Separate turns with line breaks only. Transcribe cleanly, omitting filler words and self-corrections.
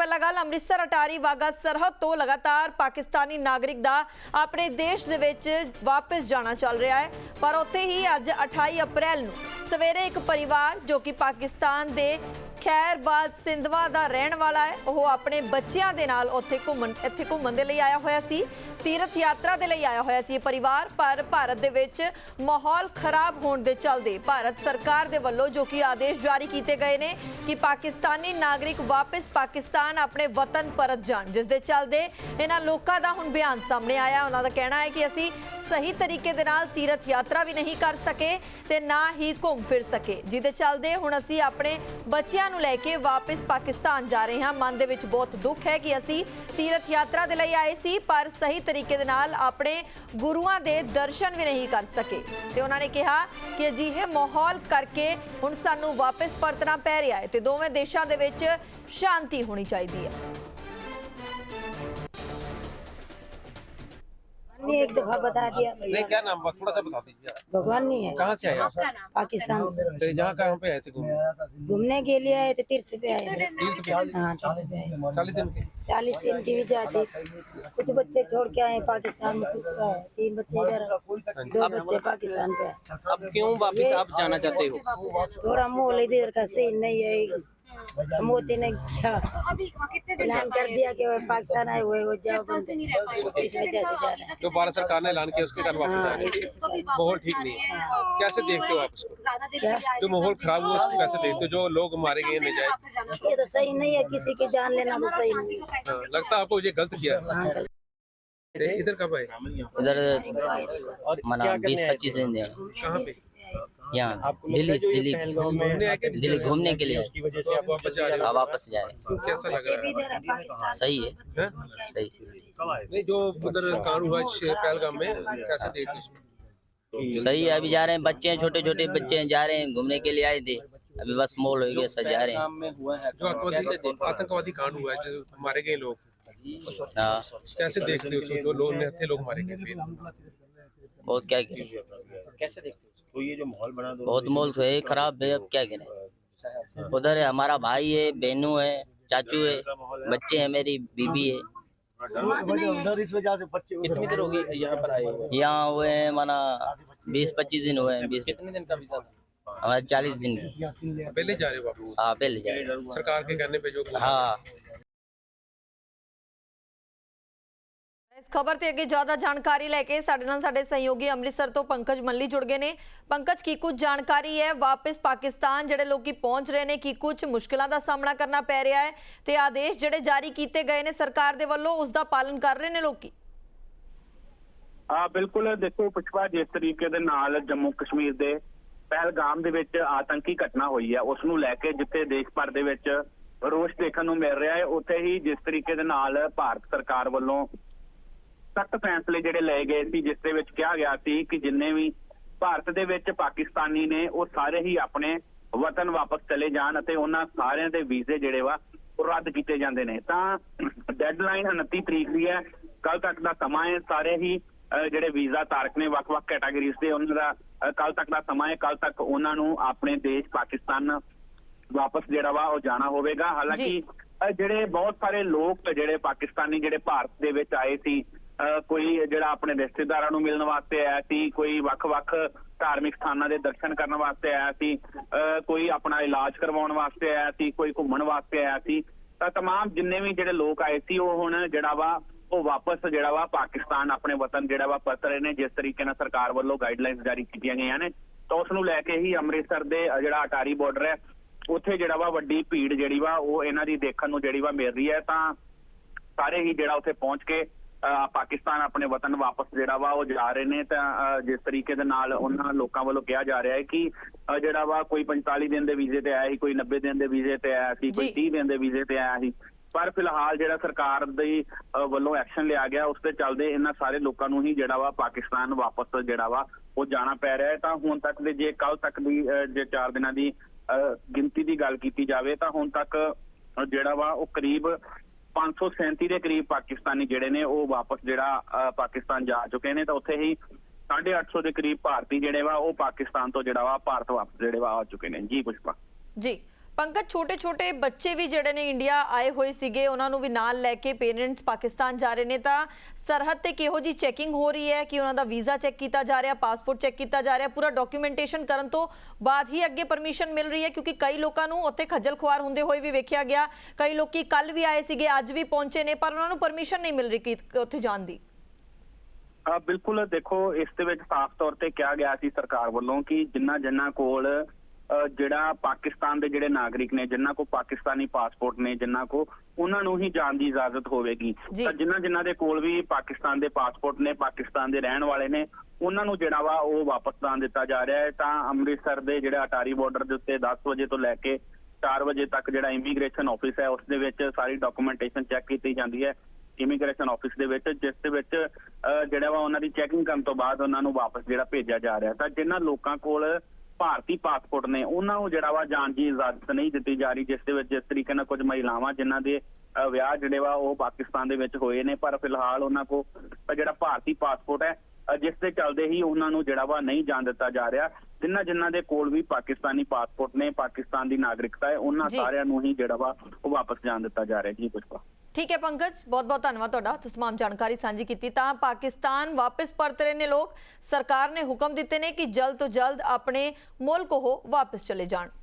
ਪਹਿਲਾ ਗੱਲ ਅੰਮ੍ਰਿਤਸਰ ਅਟਾਰੀ ਵਾਗਾ ਸਰਹੱਦ ਤੋਂ ਲਗਾਤਾਰ ਪਾਕਿਸਤਾਨੀ ਨਾਗਰਿਕ ਦਾ ਆਪਣੇ ਦੇਸ਼ ਦੇ ਵਿੱਚ ਵਾਪਸ ਜਾਣਾ ਚੱਲ ਰਿਹਾ ਹੈ। ਪਰ ਉੱਥੇ ਹੀ ਅੱਜ 28 ਅਪ੍ਰੈਲ ਨੂੰ ਸਵੇਰੇ ਇੱਕ ਪਰਿਵਾਰ ਜੋ ਕਿ ਪਾਕਿਸਤਾਨ ਦੇ ਖੈਰਬਾਦ ਸਿੰਧਵਾ ਦਾ ਰਹਿਣ ਵਾਲਾ ਹੈ, ਉਹ ਆਪਣੇ ਬੱਚਿਆਂ ਦੇ ਨਾਲ ਇੱਥੇ ਘੁੰਮਣ ਦੇ ਲਈ ਆਇਆ ਹੋਇਆ ਸੀ, ਤੀਰਥ ਯਾਤਰਾ ਦੇ ਲਈ ਆਇਆ ਹੋਇਆ ਸੀ ਇਹ ਪਰਿਵਾਰ। ਪਰ ਭਾਰਤ ਦੇ ਵਿੱਚ ਮਾਹੌਲ ਖਰਾਬ ਹੋਣ ਦੇ ਚੱਲਦੇ ਭਾਰਤ ਸਰਕਾਰ ਦੇ ਵੱਲੋਂ ਜੋ ਕਿ ਆਦੇਸ਼ ਜਾਰੀ ਕੀਤੇ ਗਏ ਨੇ ਕਿ ਪਾਕਿਸਤਾਨੀ ਨਾਗਰਿਕ ਵਾਪਸ ਪਾਕਿਸਤਾਨ ਆਪਣੇ ਵਤਨ ਪਰਤ ਜਾਣ, ਜਿਸ ਦੇ ਚੱਲਦੇ ਇਹਨਾਂ ਲੋਕਾਂ ਦਾ ਹੁਣ ਬਿਆਨ ਸਾਹਮਣੇ ਆਇਆ। ਉਹਨਾਂ ਦਾ ਕਹਿਣਾ ਹੈ ਕਿ ਅਸੀਂ ਸਹੀ ਤਰੀਕੇ ਦੇ ਨਾਲ ਤੀਰਥ ਯਾਤਰਾ ਵੀ ਨਹੀਂ ਕਰ ਸਕੇ ਤੇ ਨਾ ਹੀ ਘੁੰਮ ਫਿਰ ਸਕੇ, ਜਿਹਦੇ ਚੱਲਦੇ ਹੁਣ ਅਸੀਂ ਆਪਣੇ ਬੱਚਿਆਂ ਨੂੰ ਲੈ ਕੇ ਵਾਪਸ ਪਾਕਿਸਤਾਨ ਜਾ ਰਹੇ ਹਾਂ। ਮਨ ਦੇ ਵਿੱਚ ਬਹੁਤ ਦੁੱਖ ਹੈ ਕਿ ਅਸੀਂ ਤੀਰਥ ਯਾਤਰਾ ਦੇ ਲਈ ਆਏ ਸੀ ਪਰ ਸਹੀ ਤਰੀਕੇ ਦੇ ਨਾਲ ਆਪਣੇ ਗੁਰੂਆਂ ਦੇ ਦਰਸ਼ਨ ਵੀ ਨਹੀਂ ਕਰ ਸਕੇ ਤੇ ਉਹਨਾਂ ਨੇ ਕਿਹਾ ਕਿ ਅਜਿਹੇ ਮਾਹੌਲ ਕਰਕੇ ਹੁਣ ਸਾਨੂੰ ਵਾਪਸ ਪਰਤਣਾ ਪੈ ਰਿਹਾ ਹੈ ਤੇ ਦੋਵੇਂ ਦੇਸ਼ਾਂ ਦੇ ਵਿੱਚ ਸ਼ਾਂਤੀ ਹੋਣੀ ਚਾਹੀਦੀ ਹੈ।
एक दफा बता दिया।
नहीं, क्या नाम थोड़ा सा बता दीजिए।
भगवान नहीं है।
कहाँ से आए आप?
पाकिस्तान से।
तो यहाँ कहाँ पे आए थे
घूमने के लिए आए थे, तीर्थ पे आए थे।
तीर्थ पे?
हाँ, तीर्थ पे आए।
40 दिन के?
40 दिन की वीजा थी। कुछ बच्चे छोड़ के आए पाकिस्तान में, कुछ आए 3 बच्चे इधर, 2 बच्चे पाकिस्तान पे आए।
अब क्यों वापस आप जाना चाहते हो?
थोड़ा माहौल इधर का सही नहीं है। मोदी ने क्या ऐलान कर दिया कि वो पाकिस्तान आए हुए वो जाओ, इस वजह से जा रहे हैं।
जो भारत सरकार ने ऐलान किया उसके कारण वापस आ रहे हैं। माहौल ठीक नहीं है, कैसे देखते हो आप उसको? जो माहौल खराब हुआ उसको कैसे देखते हो? जो लोग मारे गए नजायज,
ये तो सही नहीं है, किसी की जान लेना तो सही नहीं है।
हाँ, लगता है आपको ये गलत किया है।
हाँ,
इधर कब आए?
इधर मना 20-25 दिन
कहाँ पे?
यहाँ दिल्ली
घूमने आए के?
दिल्ली घूमने के लिए
उसकी वजह से आप वापस जा रहे हो?
वापस जाए।
कैसा लग रहा है?
इधर है पाकिस्तान।
सही है,
हैं?
सही।
नहीं, जो उधर कांड हुआ पहलगाम में, कैसे देखते हो इसको?
सही है, अभी जा रहे हैं, बच्चे हैं, छोटे छोटे बच्चे हैं, जा रहे हैं, घूमने के लिए आए थे, अभी बस मॉल हो गया, सब जा रहे हैं।
जो आतंकवादी कांड हुआ है, जो मारे गए लोग,
हाँ,
कैसे देखते हो उसको? जो लोग निहत्थे लोग मारे गए,
बहुत क्या करें,
कैसे देखते हो तो ये जो माहौल बना दो
बहुत माहौल तो है खराब है, अब क्या करें। उधर है हमारा भाई है, बहनों है, चाचू है, बच्चे हैं, मेरी बीबी है।
इस वजह से बच्चे कितनी देर हो गई यहाँ पर आए हुए?
यहाँ हुए हैं माना 20-25 दिन हुए हैं। 20
कितने दिन का वीजा था?
हमारे 40 दिन की।
पहले जा रहे हो वापस?
हाँ, पहले जा रहे हैं।
सरकार के कहने पे जो
हाँ,
ਇਸ ਖਬਰ ਤੇ ਅੱਗੇ ਜ਼ਿਆਦਾ ਜਾਣਕਾਰੀ ਲੈ ਕੇ ਸਾਡੇ ਨਾਲ ਸਾਡੇ ਸਹਿਯੋਗੀ ਅੰਮ੍ਰਿਤਸਰ ਤੋਂ ਪੰਕਜ ਮੱਲੀ ਜੁੜ ਗਏ ਨੇ। ਪੰਕਜ, ਕੀ ਕੁਝ ਜਾਣਕਾਰੀ ਹੈ ਵਾਪਸ ਪਾਕਿਸਤਾਨ ਜਿਹੜੇ ਲੋਕੀ ਪਹੁੰਚ ਰਹੇ ਨੇ, ਕੀ ਕੁਝ ਮੁਸ਼ਕਲਾਂ ਦਾ ਸਾਹਮਣਾ ਕਰਨਾ ਪੈ ਰਿਹਾ ਹੈ ਤੇ ਆਦੇਸ਼ ਜਿਹੜੇ ਜਾਰੀ ਕੀਤੇ ਗਏ ਨੇ ਸਰਕਾਰ ਦੇ ਵੱਲੋਂ ਉਸ ਦਾ ਪਾਲਣ ਕਰ ਰਹੇ ਨੇ ਲੋਕੀ?
ਬਿਲਕੁਲ, ਦੇਖੋ ਪੁਸ਼ਪਾ, ਜਿਸ ਤਰੀਕੇ ਦੇ ਨਾਲ ਜੰਮੂ ਕਸ਼ਮੀਰ ਦੇ ਪਹਿਲਗਾਮ ਦੇ ਵਿੱਚ ਆਤੰਕੀ ਘਟਨਾ ਹੋਈ ਹੈ ਉਸ ਨੂੰ ਲੈ ਕੇ ਜਿੱਥੇ ਦੇਸ਼ ਭਰ ਦੇ ਵਿੱਚ ਰੋਸ ਦੇਖਣ ਨੂੰ ਮਿਲ ਰਿਹਾ ਹੈ, ਉੱਥੇ ਹੀ ਜਿਸ ਤਰੀਕੇ ਦੇ ਨਾਲ ਭਾਰਤ ਸਰਕਾਰ ਵੱਲੋਂ ਸਖਤ ਫੈਸਲੇ ਜਿਹੜੇ ਲਏ ਗਏ ਸੀ, ਜਿਸ ਦੇ ਵਿੱਚ ਕਿਹਾ ਗਿਆ ਸੀ ਕਿ ਜਿੰਨੇ ਵੀ ਭਾਰਤ ਦੇ ਵਿੱਚ ਪਾਕਿਸਤਾਨੀ ਨੇ ਉਹ ਸਾਰੇ ਹੀ ਆਪਣੇ ਵਤਨ ਵਾਪਸ ਚਲੇ ਜਾਣ ਅਤੇ ਉਹਨਾਂ ਸਾਰਿਆਂ ਦੇ ਵੀਜ਼ੇ ਜਿਹੜੇ ਵਾ ਉਹ ਰੱਦ ਕੀਤੇ ਜਾਂਦੇ ਨੇ। ਤਾਂ ਡੈਡਲਾਈਨ 29 ਤਰੀਕ ਦੀ ਹੈ, ਕੱਲ ਤੱਕ ਦਾ ਸਮਾਂ ਹੈ। ਸਾਰੇ ਹੀ ਜਿਹੜੇ ਵੀਜ਼ਾ ਧਾਰਕ ਨੇ ਵੱਖ-ਵੱਖ ਕੈਟਾਗਰੀਜ਼ ਦੇ, ਉਹਨਾਂ ਦਾ ਕੱਲ ਤੱਕ ਦਾ ਸਮਾਂ ਹੈ। ਕੱਲ ਤੱਕ ਉਹਨਾਂ ਨੂੰ ਆਪਣੇ ਦੇਸ਼ ਪਾਕਿਸਤਾਨ ਵਾਪਸ ਜਿਹੜਾ ਵਾ ਉਹ ਜਾਣਾ ਹੋਵੇਗਾ। ਹਾਲਾਂਕਿ ਜਿਹੜੇ ਬਹੁਤ ਸਾਰੇ ਲੋਕ ਜਿਹੜੇ ਪਾਕਿਸਤਾਨੀ ਜਿਹੜੇ ਭਾਰਤ ਦੇ ਵਿੱਚ ਆਏ ਸੀ, ਕੋਈ ਜਿਹੜਾ ਆਪਣੇ ਰਿਸ਼ਤੇਦਾਰਾਂ ਨੂੰ ਮਿਲਣ ਵਾਸਤੇ ਆਇਆ ਸੀ, ਕੋਈ ਵੱਖ-ਵੱਖ ਧਾਰਮਿਕ ਸਥਾਨਾਂ ਦੇ ਦਰਸ਼ਨ ਕਰਨ ਵਾਸਤੇ ਆਇਆ ਸੀ, ਕੋਈ ਆਪਣਾ ਇਲਾਜ ਕਰਵਾਉਣ ਵਾਸਤੇ ਆਇਆ ਸੀ, ਕੋਈ ਘੁੰਮਣ ਵਾਸਤੇ ਆਇਆ ਸੀ। ਤਾਂ ਤਮਾਮ ਜਿੰਨੇ ਵੀ ਜਿਹੜੇ ਲੋਕ ਆਏ ਸੀ ਉਹ ਹੁਣ ਜਿਹੜਾ ਵਾ ਉਹ ਵਾਪਸ ਜਿਹੜਾ ਵਾ ਪਾਕਿਸਤਾਨ ਆਪਣੇ ਵਤਨ ਜਿਹੜਾ ਵਾ ਪਰਤ ਰਹੇ ਨੇ, ਜਿਸ ਤਰੀਕੇ ਨਾਲ ਸਰਕਾਰ ਵੱਲੋਂ ਗਾਈਡਲਾਈਨਸ ਜਾਰੀ ਕੀਤੀਆਂ ਗਈਆਂ ਨੇ। ਤਾਂ ਉਸ ਨੂੰ ਲੈ ਕੇ ਹੀ ਅੰਮ੍ਰਿਤਸਰ ਦੇ ਜਿਹੜਾ ਅਟਾਰੀ ਬਾਰਡਰ ਹੈ ਉੱਥੇ ਜਿਹੜਾ ਵਾ ਵੱਡੀ ਭੀੜ ਜਿਹੜੀ ਵਾ ਉਹ ਇਹਨਾਂ ਦੀ ਦੇਖਣ ਨੂੰ ਜਿਹੜੀ ਵਾ ਮਿਲ ਰਹੀ ਹੈ। ਤਾਂ ਸਾਰੇ ਹੀ ਜਿਹੜਾ ਉੱਥੇ ਪਹੁੰਚ ਕੇ ਪਾਕਿਸਤਾਨ ਆਪਣੇ ਵਤਨ ਵਾਪਸ ਜਿਹੜਾ ਵਾ ਉਹ ਜਾ ਰਹੇ ਨੇ। ਤਾਂ ਜਿਸ ਤਰੀਕੇ ਦੇ ਨਾਲ ਉਹਨਾਂ ਲੋਕਾਂ ਵੱਲੋਂ ਕਿਹਾ ਜਾ ਰਿਹਾ ਹੈ ਕਿ ਜਿਹੜਾ ਵਾ ਕੋਈ 45 ਦਿਨ ਦੇ ਵੀਜ਼ੇ ਤੇ ਆਇਆ ਸੀ, ਕੋਈ 90 ਦਿਨ ਦੇ ਵੀਜ਼ੇ ਤੇ ਆਇਆ ਸੀ, ਕੋਈ 30 ਦਿਨ ਦੇ ਵੀਜ਼ੇ ਤੇ ਆਇਆ ਸੀ। ਪਰ ਫਿਲਹਾਲ ਜਿਹੜਾ ਸਰਕਾਰ ਦੀ ਵੱਲੋਂ ਐਕਸ਼ਨ ਲਿਆ ਗਿਆ ਉਸ ਤੇ ਚੱਲਦੇ ਇਹਨਾਂ ਸਾਰੇ ਲੋਕਾਂ ਨੂੰ ਹੀ ਜਿਹੜਾ ਵਾ ਪਾਕਿਸਤਾਨ ਵਾਪਸ ਜਿਹੜਾ ਵਾ ਉਹ ਜਾਣਾ ਪੈ ਰਿਹਾ ਹੈ। ਤਾਂ ਹੁਣ ਤੱਕ ਦੇ ਜੇ ਕੱਲ ਤੱਕ ਦੀ ਜੇ 4 ਦਿਨਾਂ ਦੀ ਗਿਣਤੀ ਦੀ ਗੱਲ ਕੀਤੀ ਜਾਵੇ ਤਾਂ ਹੁਣ ਤੱਕ ਜਿਹੜਾ ਵਾ ਉਹ ਕਰੀਬ 537 ਦੇ ਕਰੀਬ ਪਾਕਿਸਤਾਨੀ ਜਿਹੜੇ ਨੇ ਉਹ ਵਾਪਸ ਜਿਹੜਾ ਪਾਕਿਸਤਾਨ ਜਾ ਚੁੱਕੇ ਨੇ। ਤਾਂ ਉੱਥੇ ਹੀ 850 ਦੇ ਕਰੀਬ ਭਾਰਤੀ ਜਿਹੜੇ ਵਾ ਉਹ ਪਾਕਿਸਤਾਨ ਤੋਂ ਜਿਹੜਾ ਵਾ ਭਾਰਤ ਵਾਪਸ ਜਿਹੜੇ ਵਾ ਆ ਚੁੱਕੇ ਨੇ। ਜੀ ਪੁਸ਼ਪਾ।
ਜੀ ਪੰਕਜ, ਛੋਟੇ-ਛੋਟੇ ਬੱਚੇ ਵੀ ਜਿਹੜੇ ਨੇ ਇੰਡੀਆ ਆਏ ਹੋਏ ਸੀਗੇ, ਉਹਨਾਂ ਨੂੰ ਵੀ ਨਾਲ ਲੈ ਕੇ ਪੇਰੈਂਟਸ ਪਾਕਿਸਤਾਨ ਜਾ ਰਹੇ ਨੇ, ਤਾਂ ਸਰਹੱਦ ਤੇ ਕਿਹੋ ਜੀ ਚੈਕਿੰਗ ਹੋ ਰਹੀ ਹੈ ਕਿ ਉਹਨਾਂ ਦਾ ਵੀਜ਼ਾ ਚੈੱਕ ਕੀਤਾ ਜਾ ਰਿਹਾ, ਪਾਸਪੋਰਟ ਚੈੱਕ ਕੀਤਾ ਜਾ ਰਿਹਾ, ਪੂਰਾ ਡਾਕੂਮੈਂਟੇਸ਼ਨ ਕਰਨ ਤੋਂ ਬਾਅਦ ਹੀ ਅੱਗੇ ਪਰਮਿਸ਼ਨ ਮਿਲ ਰਹੀ ਹੈ? ਕਿਉਂਕਿ ਕਈ ਲੋਕਾਂ ਨੂੰ ਉੱਥੇ ਖੱਜਲ ਖੁਆਰ ਹੁੰਦੇ ਹੋਏ ਵੀ ਵੇਖਿਆ ਗਿਆ, ਕਈ ਲੋਕੀ ਕੱਲ ਵੀ ਆਏ ਸੀਗੇ, ਅੱਜ ਵੀ ਪਹੁੰਚੇ ਨੇ, ਪਰ ਉਹਨਾਂ ਨੂੰ ਪਰਮਿਸ਼ਨ ਨਹੀਂ ਮਿਲ ਰਹੀ ਕਿ ਉੱਥੇ ਜਾਣ ਦੀ।
ਬਿਲਕੁਲ, ਦੇਖੋ ਇਸ ਦੇ ਵਿੱਚ ਸਾਫ਼ ਤੌਰ ਤੇ ਕਿਹਾ ਗਿਆ ਸੀ ਸਰਕਾਰ ਵੱਲੋਂ ਕਿ ਜਿਨ੍ਹਾਂ ਕੋਲ ਜਿਹੜਾ ਪਾਕਿਸਤਾਨ ਦੇ ਜਿਹੜੇ ਨਾਗਰਿਕ ਨੇ, ਜਿਨ੍ਹਾਂ ਕੋ ਪਾਕਿਸਤਾਨੀ ਪਾਸਪੋਰਟ ਨੇ, ਜਿਨ੍ਹਾਂ ਕੋ ਉਹਨਾਂ ਨੂੰ ਹੀ ਜਾਣ ਦੀ ਇਜਾਜ਼ਤ ਹੋਵੇਗੀ। ਤਾਂ ਜਿਨ੍ਹਾਂ ਦੇ ਕੋਲ ਵੀ ਪਾਕਿਸਤਾਨ ਦੇ ਪਾਸਪੋਰਟ ਨੇ, ਪਾਕਿਸਤਾਨ ਦੇ ਰਹਿਣ ਵਾਲੇ ਨੇ, ਉਹਨਾਂ ਨੂੰ ਜਿਹੜਾ ਵਾ ਉਹ ਵਾਪਸ ਜਾਣ ਦਿੱਤਾ ਜਾ ਰਿਹਾ ਹੈ। ਤਾਂ ਅੰਮ੍ਰਿਤਸਰ ਦੇ ਜਿਹੜਾ ਅਟਾਰੀ ਬਾਰਡਰ ਦੇ ਉੱਤੇ 10 ਵਜੇ ਤੋਂ ਲੈ ਕੇ 4 ਵਜੇ ਤੱਕ ਜਿਹੜਾ ਇਮੀਗ੍ਰੇਸ਼ਨ ਆਫਿਸ ਹੈ, ਉਸ ਦੇ ਵਿੱਚ ਸਾਰੀ ਡਾਕੂਮੈਂਟੇਸ਼ਨ ਚੈੱਕ ਕੀਤੀ ਜਾਂਦੀ ਹੈ ਇਮੀਗ੍ਰੇਸ਼ਨ ਆਫਿਸ ਦੇ ਵਿੱਚ, ਜਿਸ ਦੇ ਵਿੱਚ ਜਿਹੜਾ ਵਾ ਉਹਨਾਂ ਦੀ ਚੈਕਿੰਗ ਕਰਨ ਤੋਂ ਬਾਅਦ ਉਹਨਾਂ ਨੂੰ ਵਾਪਸ ਜਿਹੜਾ ਭੇਜਿਆ ਜਾ ਰਿਹਾ। ਤਾਂ ਜਿਨ੍ਹਾਂ ਲੋਕਾਂ ਕੋਲ ਭਾਰਤੀ ਪਾਸਪੋਰਟ ਨੇ, ਉਹਨਾਂ ਨੂੰ ਜਿਹੜਾ ਵਾ ਜਾਣ ਦੀ ਇਜਾਜ਼ਤ ਨਹੀਂ ਦਿੱਤੀ ਜਾ ਰਹੀ, ਜਿਸ ਦੇ ਵਿੱਚ ਜਿਸ ਤਰੀਕੇ ਨਾਲ ਕੁਝ ਮਹਿਲਾਵਾਂ ਜਿਨ੍ਹਾਂ ਦੇ ਵਿਆਹ ਜਿਹੜੇ ਵਾ ਉਹ ਪਾਕਿਸਤਾਨ ਦੇ ਵਿੱਚ ਹੋਏ ਨੇ, ਪਰ ਫਿਲਹਾਲ ਉਹਨਾਂ ਕੋਲ ਜਿਹੜਾ ਭਾਰਤੀ ਪਾਸਪੋਰਟ ਹੈ, ਜਿਸ ਦੇ ਚੱਲਦੇ ਹੀ ਉਹਨਾਂ ਨੂੰ ਜਿਹੜਾ ਵਾ ਨਹੀਂ ਜਾਣ ਦਿੱਤਾ ਜਾ ਰਿਹਾ। ਜਿਨ੍ਹਾਂ ਦੇ ਕੋਲ ਵੀ ਪਾਕਿਸਤਾਨੀ ਪਾਸਪੋਰਟ ਨੇ, ਪਾਕਿਸਤਾਨ ਦੀ ਨਾਗਰਿਕਤਾ ਹੈ, ਉਹਨਾਂ ਸਾਰਿਆਂ ਨੂੰ ਹੀ ਜਿਹੜਾ ਵਾ ਉਹ ਵਾਪਸ ਜਾਣ ਦਿੱਤਾ ਜਾ ਰਿਹਾ। ਜੀ ਪੁਸ਼ਪਾ।
ਠੀਕ ਹੈ ਪੰਕਜ, ਬਹੁਤ-ਬਹੁਤ ਧੰਨਵਾਦ ਤੁਹਾਡਾ, ਤੁਸੀਂ तमाम ਜਾਣਕਾਰੀ ਸਾਂਝੀ ਕੀਤੀ। ਤਾਂ ਪਾਕਿਸਤਾਨ ਵਾਪਸ ਪਰਤ ਰਹੇ ਨੇ ਲੋਕ, ਸਰਕਾਰ ਨੇ ਹੁਕਮ ਦਿੱਤੇ ਨੇ ਕਿ ਜਲਦ ਤੋਂ ਜਲਦ ਆਪਣੇ ਮੁਲਕ ਉਹ ਵਾਪਸ ਚਲੇ ਜਾਣ।